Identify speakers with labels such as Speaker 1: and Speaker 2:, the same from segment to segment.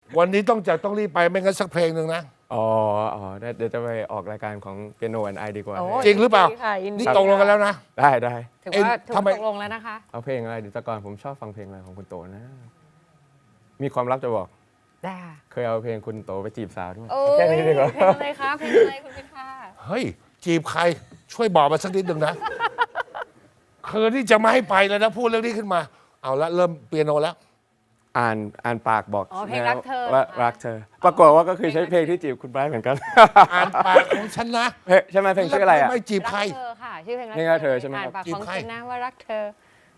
Speaker 1: วันนี้ต้องรีบไปไม่งั้นสักเพลงหนึ่งนะ
Speaker 2: อ๋อเดี๋ยวจะไปออกรายการของเปียโนแอนไอดีกว่า
Speaker 3: โอ้
Speaker 1: จริงหรือเปล่า
Speaker 3: ยินดีค่ะยินดี
Speaker 1: นี่ตกลงกันแล้วนะ
Speaker 2: ได้
Speaker 3: ถือว่า
Speaker 1: ทำไม
Speaker 3: ตกลงแล้วนะคะ
Speaker 2: เอาเพลงอะไรเดี๋ยวแต่ก่อนผมชอบฟังเพลงอะไรของคุณโตนะ มีความลับจะบอก
Speaker 3: ได้ค่ะ
Speaker 2: เคยเอาเพลงคุณโตไปจีบสาวด้วย
Speaker 3: โอ้
Speaker 2: แค่
Speaker 3: ย
Speaker 2: นี้ดีกว่า
Speaker 3: เพลงอะไรคะเพลงอะไรคุณพิธา
Speaker 1: เฮ้ย จีบใครช่วยบอกมาสักนิดหนึ่งนะคืนที่จะไม่ให้ไปเลยนะ พูดเรื่องนี้ขึ้นมา เอาละเริ่มเปียโนแล้ว
Speaker 2: อ่านปากบอก
Speaker 3: อ๋อเพลงรักเธอ
Speaker 2: ว่ารักเธอ ปรากฏว่าก็คือใช้เพลงที่จีบคุณไบรท์เหมือนกัน
Speaker 1: อ่านปากของฉันนะ
Speaker 2: ใช่ไหมเพลงชื่ออะไรอ่ะ
Speaker 1: ไม่จีบใคร
Speaker 3: รักเธอค่ะชื่อเพลง
Speaker 2: เพลงรักเธอใช่ไหม
Speaker 3: อ่านปาก
Speaker 1: จีบ
Speaker 3: ของ
Speaker 1: ใคร
Speaker 3: ฉันนะว่ารักเธอ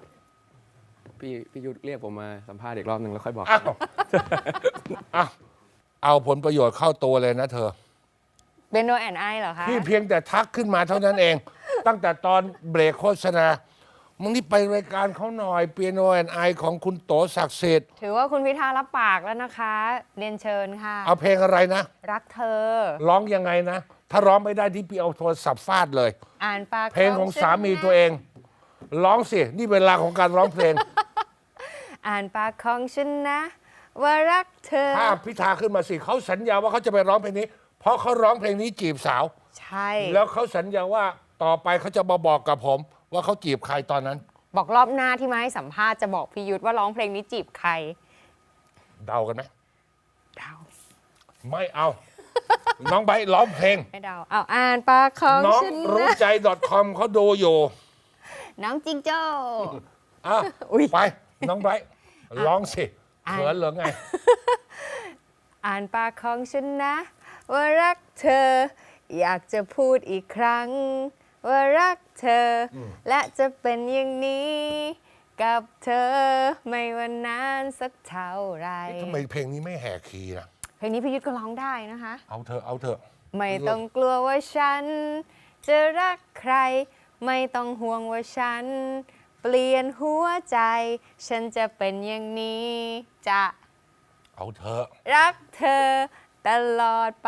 Speaker 2: พี่ยุทธเรียกผมมาสัมภาษณ์อีกรอบหนึ่งแล้วค่อยบอก
Speaker 1: อ้าวอ้าวเอาผลประโยชน์เข้าตัวเลยนะเธอ
Speaker 3: เบนโนแอนไอเหรอคะ
Speaker 1: พี่เพียงแต่ทักขึ้นมาเท่านั้นเอง ตั้งแต่ตอนเบรกโฆษณามึงนี่ไปรายการเขาหน่อยเปียโนแอนไอของคุณโตศักดิ์สิทธิ์
Speaker 3: ถือว่าคุณพิธารับปากแล้วนะคะ เรียนเชิญค่ะ
Speaker 1: เอาเพลงอะไรนะ
Speaker 3: รักเธอ
Speaker 1: ร้องยังไงนะ ถ้าร้องไม่ได้ที่พี่เอาโทรศัพท์ฟาดเลย
Speaker 3: อ่านปาก
Speaker 1: เพลงของ
Speaker 3: ฉัน
Speaker 1: สามี
Speaker 3: นะ
Speaker 1: ตัวเอง ร้องสิ นี่เวลาของการร้องเพลง
Speaker 3: อ่านปากของฉันนะ ว่ารักเธอ
Speaker 1: ภาพพิธาขึ้นมาสิเขาสัญญาว่าเขาจะไปร้องเพลงนี้ เพราะเขาร้องเพลงนี้จีบสาว
Speaker 3: ใช่
Speaker 1: แล้วเขาสัญญาว่าต่อไปเขาจะมาบอกกับผม ว่าเขาจีบใครตอนนั้น
Speaker 3: บอกรอบหน้าที่มาให้สัมภาษณ์จะบอกพี่ยุทธว่าร้องเพลงนี้จีบใคร
Speaker 1: เดากันไหม
Speaker 3: เดา
Speaker 1: ไม่เอา น้องไบร์ทร้องเพลง
Speaker 3: ไม่เดาเอาอ่านปากของ
Speaker 1: น้อง
Speaker 3: ฉัน
Speaker 1: รู้
Speaker 3: นะ
Speaker 1: ใจ .com เขาดูอยู่
Speaker 3: น้องจิงโจ้
Speaker 1: อ่ะ
Speaker 3: อุ๊ย
Speaker 1: ไป น้องไบร์ทร้องสิ
Speaker 3: อ่ะ
Speaker 1: เขินเหรือไง
Speaker 3: อ่านปากของฉันนะ ว่ารักเธอ อยากจะพูดอีกครั้ง ว่ารักเธออและจะเป็นอย่างนี้ กับเธอไม่ว่านานสักเท่าไหร
Speaker 1: ทำไมเพลงนี้ไม่แหกคีย์นะ
Speaker 3: เพลงนี้พี่ยุทธก็ร้องได้นะคะ
Speaker 1: เอาเถอะ เอาเถอะ
Speaker 3: ไม่ต้องกลัวว่าฉัน จะรักใคร ไม่ต้องห่วงว่าฉัน เปลี่ยนหัวใจ ฉันจะเป็นอย่างนี้ จะ
Speaker 1: เอาเถอะ
Speaker 3: รักเธอตลอดไป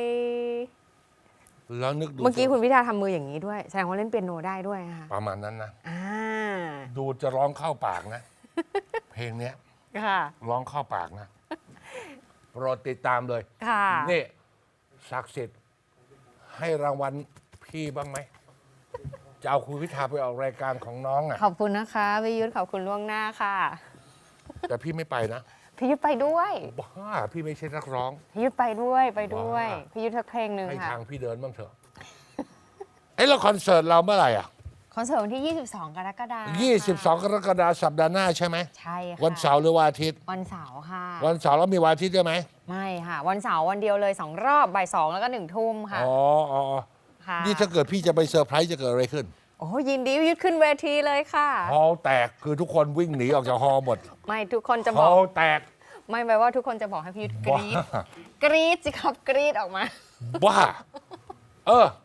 Speaker 1: แล้วนึกดู
Speaker 3: เมื่อกี้คุณพิธาทำมืออย่างนี้ด้วย แสดงว่าเล่นเปียโนได้ด้วยนะคะ
Speaker 1: ประมาณนั้นนะ
Speaker 3: อ่า
Speaker 1: ดูจะร้องเข้าปากนะ เพลงเนี้ย
Speaker 3: ค่ะ
Speaker 1: ร้องเข้าปากนะโปรดติดตามเลย
Speaker 3: ค่ะ
Speaker 1: นี่ศักดิ์สิทธิ์ให้รางวัลพี่บ้างไหม จะเอาคุณพิธาไปออกรายการของน้องอ่ะ
Speaker 3: ขอบคุณนะคะพี่ยุทธขอบคุณล่วงหน้าค่ะ
Speaker 1: แต่พี่ไม่ไปนะ
Speaker 3: พี่ยุทธไปด้วย
Speaker 1: บ้าพี่ไม่ใช่นักร้อง
Speaker 3: พี่ยุทธไปด้วยไปด้วย
Speaker 1: ว้า
Speaker 3: พี่ยุทธสักเพลงหนึ่ง
Speaker 1: ให้
Speaker 3: ค่ะ
Speaker 1: ทางพี่เดินบ้างเถอะ เอ้แล้วคอนเสิร์ตเราเมื่อไหร่อ่ะ
Speaker 3: คอนเสิร์ตวันที่ 22 กรกฎาคม
Speaker 1: 22 กรกฎาคมสัปดาห์หน้าใช่ไหม
Speaker 3: ใช่ค่ะ
Speaker 1: วันเสาร์หรือวันอาทิตย์
Speaker 3: วันเสาร์ค่ะ
Speaker 1: วันเสาร์แล้วมีวันอาทิตย์ด้วยไหม
Speaker 3: ไม่ค่ะ วันเสาร์วันเดียวเลย 2 รอบบ่าย 2 แล้วก็ 1 ทุ่มค่ะ
Speaker 1: อ๋ออ๋ออ๋อ
Speaker 3: ค่ะ
Speaker 1: นี่ถ้าเกิดพี่จะไปเซอร์ไพรส์จะเกิดอะไรขึ้น
Speaker 3: โอ้ยินดีพี่ยุทธขึ้นเวทีเลยค่ะ
Speaker 1: ฮอลล์แตกคือทุกคนวิ่งหนีออกจากฮอลล์หมด
Speaker 3: ไม่ทุกคนจะ
Speaker 1: ฮ
Speaker 3: บ
Speaker 1: อ
Speaker 3: อก
Speaker 1: ลล์แตก
Speaker 3: ไม่แปลว่าทุกคนจะบอกให้พี่ยุทธกรี๊ด
Speaker 1: บ้า
Speaker 3: กรี๊ดสิครับกรี๊ดออกมา
Speaker 1: บ้า เออ